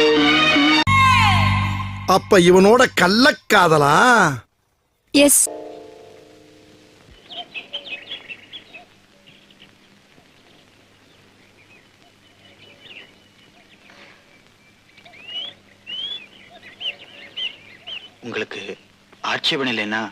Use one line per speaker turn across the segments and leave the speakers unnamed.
அப்ப இவனோட கள்ளக்காதலா?
எஸ்.
உங்களுக்கு ஆட்சேபம் இல்லைன்னா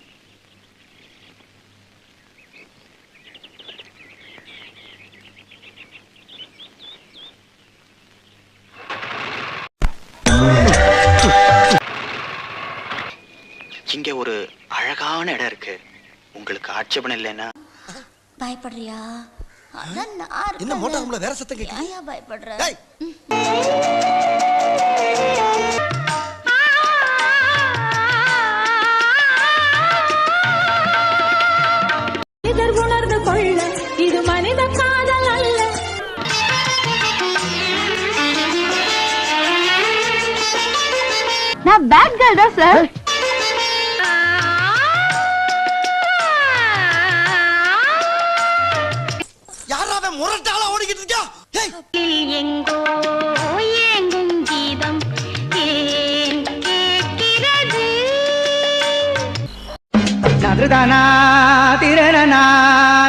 இங்க ஒரு அழகான இடம் இருக்கு. உங்களுக்கு ஆட்சேபம் இல்லைன்னா
பயப்படுறியா?
என்ன மோட்டார்ல வேற சத்தம் கேக்குது?
ஏன் பயப்படுற?
உணர்ந்து கொள்ள இது மனித காதல் அல்ல.
நான் பேட் கேர்ள் தான் சார்.
யாராவே முரட்டாளா ஓடிக்கிட்டு இருக்கா?
எங்கோ ஏங்கும் கீதம் ஏன் கேட்கிறது?
நதுதானா திரணனா